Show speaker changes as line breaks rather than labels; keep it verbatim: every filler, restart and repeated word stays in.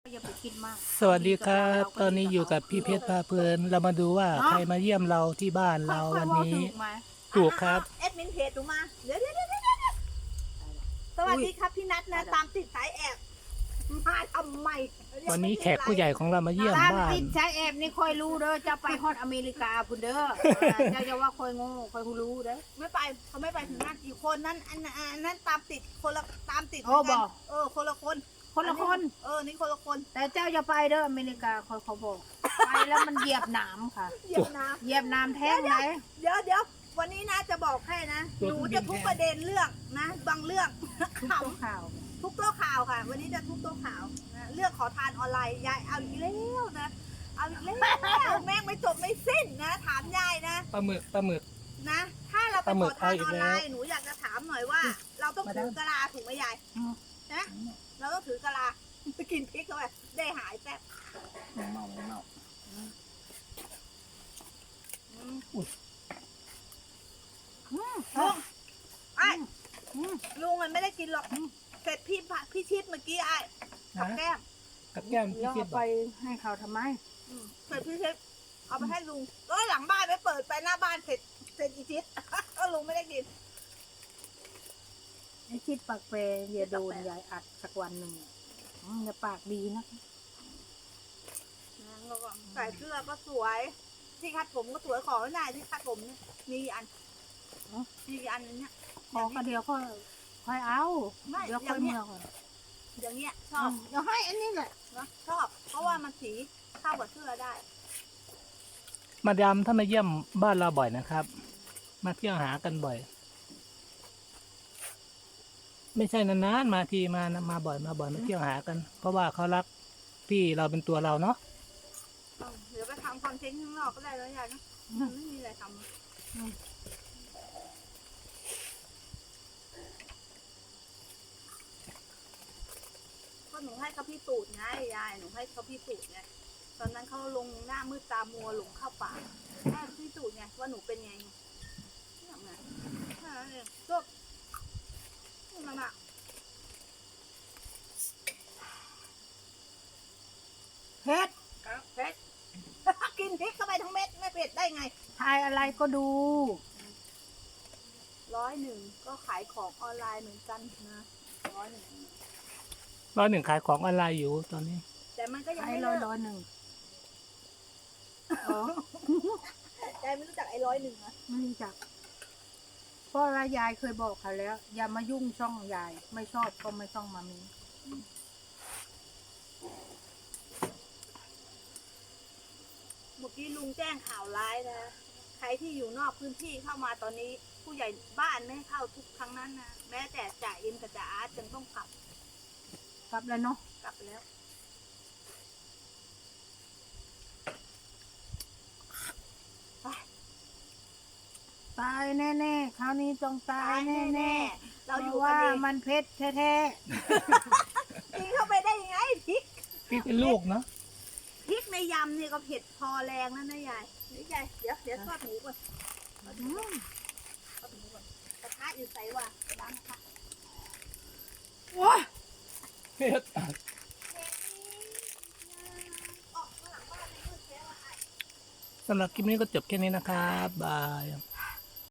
อย่าไปคิดมาก
สวัสดีครับ ตอนนี้อยู่กับพี่เพชรพาเพลิน เรามาดูว่าใครมาเยี่ยมเราที่บ้านเราวันนี้ ถูกครับ
เอ็ดมินเพจดูมาเดี๋ยวเดี๋ยวเดี๋ยวเดี๋ยวสวัสดีครับพี่นัทนะตามติดสายแอบมาทำไม
วันนี้แขกผู้ใหญ่ของเรามาเยี่ยม
ตาม
บ้าน
ติดใช้แอบนี่คอยรู้เด้อจะไปฮอดอเมริกาคุณเด้อเจ้าจะว่าคอยโง่คอยรู้เด้อ
ไม่ไปเขาไม่ไปถึงนั่นกี่คนนั้นอันนั้นอันนั้นตามติดคนละตามติด
โอ้บอก
เออคนละคน
คนละคน
เออนี่คนละคน
แต่เจ้าจะไปเด้ออเมริกาคอยเขาบอกไปแล้วมันเหยียบหนามค่ะ
เหยียบน้
เหยียบหนามแท้งไหน
ำเดี๋ยวเดี๋ยววันนี้นะจะบอกให้นะหนูจะทุกประเด็นเรื่องนะบางเรื่อง
ทุก
ข
ตัวข่าว
ำทุกโต๊ะข่าวค่ะ วันนี้จะทุกโต๊ะข่าวนะเรื่องขอทานออนไลน์ยายเอาอีกแล้วนะเอาอีกแล้วแม่งไม่จบไม่สิ้นนะถามยายนะ
ปลาหมึกปลาหมึก
นะ ถ้าเราไป
ปลาหมึ
ข
ก
อทาน
เอาอี
อก อน
แล้ว
ไลน์หนูอยากจะถามหน่อยว่า เราต้องถือกะลาถูกไหมยายนะเราต้องถือกะลาไปกินพริกเข้าไปได้หายแป๊บ
เมาเมา
อืมลุงไอ้ลุงมันไม่ได้กินหรอกเสร็จพี่ผัดพี่ชิดเมื่อกี้ไอ้กับแก้ม
กับแก้ม
แล้
พี่
ว
เพช
เอา
รบ
ไป
อก
ให้เขาทำไม
อืมเสร็จพี่ชิดเอาไปให้ลุงก็หลังบ้านไม่เปิดไปหน้าบ้านเสร็จเสร็จอีชิด ก็ลุงไม่ได้กิน
ไอ้คิดปากเปรอย่าโดนยายอัดสักวันหนึ่งอืมอย่าปากดีนะ
แล้วก็ใส่เสื้อก็สวย ที่คัดผมก็สวยของไม่ได้ที่คัดผมเนี่ยมีกี่อันมีกี่อันเนี้ย
ขอก็เดียวก็ค่อยเอา
ไม่
เดี๋ยว
อ
ค่อย่าง ย
เนี้
เมื่
ย
อก่อน
อย่างเงี้ยช
อื
อบ
มเดี๋ยวให้อันนี้แหละ
นะชอบ เพราะว่ามันสีเข้ากับเสื้อได้
มาดามถ้ามาเยี่ยมบ้านเราบ่อยนะครับ มาเที่ยวหากันบ่อย ไม่ใช่นานๆมาทีมานะมาบ่อยมาบ่อยมาเที่ยวหากัน เพราะว่าเขารักพี่เราเป็นตัวเราเนาะ
เดี๋ยวไปทำคอนเทนต์ข้างนอกก็ได้แล้วยายนะมันไม่มีอะไรทำก็หนูให้เขาพี่ตูดไงยายหนูให้เขาพี่ตูดไงตอนนั้นเขาลงหน้ามืดตามัวหลงเข้าป่าให้พี่ตูดไงว่าหนูเป็นไงเนี่ยไงแค่นั้นเองจบนั่นน่ะ
เผ็ด
เผ็ด กินพริกเข้าไปทั้งเม็ดไม่เผ็ดได้ไง
ทายอะไรก็ดู
ร้อยหนึ่งก็ขายของออนไลน์เหมือนกันนะร้อยหนึ่ง
ร้อยหนึ่งขายของออนไลน์อยู่ตอนนี้
แต่มันก็ยัง
ไอ้
ไม่
ร้อย
เลิก
ร้อยหนึ่งอ๋อ
ใจไม่รู้จักไอ้ร้อยหนึ่งนะ
ไม่รู้จักเพราะว่ายายเคยบอกเขาแล้ว อย่ามายุ่งช่องยาย ไม่ชอบก็ไม่ต้องมามี
เมื่อกี้ลุงแจ้งข่าวร้ายนะใครที่อยู่นอกพื้นที่เข้ามาตอนนี้ ผู้ใหญ่บ้านไม่ให้เข้าทุกครั้งนั้นนะแม้แต่จ่าเอ็มกับจ่าอาร์ตยังต้องกลับ
กลับแล้วเนาะ
กลับไปแล้วไป
ตายแน่ๆคราวนี้ต้องตายแน่
ๆ
ๆ
เราอยู่
พะ
กัน
ว่า
เอง
มันเพชรแท้
กินเข้าไปได้ยังไงพริก
พี่เป็นลูกเนาะ
พริกในยำเนี่ยก็เผ็ดพอแรงแล้วนะยายนี่ยายเดี๋ยวเดี๋ยวทอดหมูก่อนทอดหมูก่อนทอดหมูก่อนกระทะอยู่ใส่ว่ะล้างกระทะ
ๆว้า
เพชร
ออกมาหลังบ้านเลยมืดแล้วอ่ะ
สำหรับคลิปนี้ก็จบแค่นี้นะครับบาย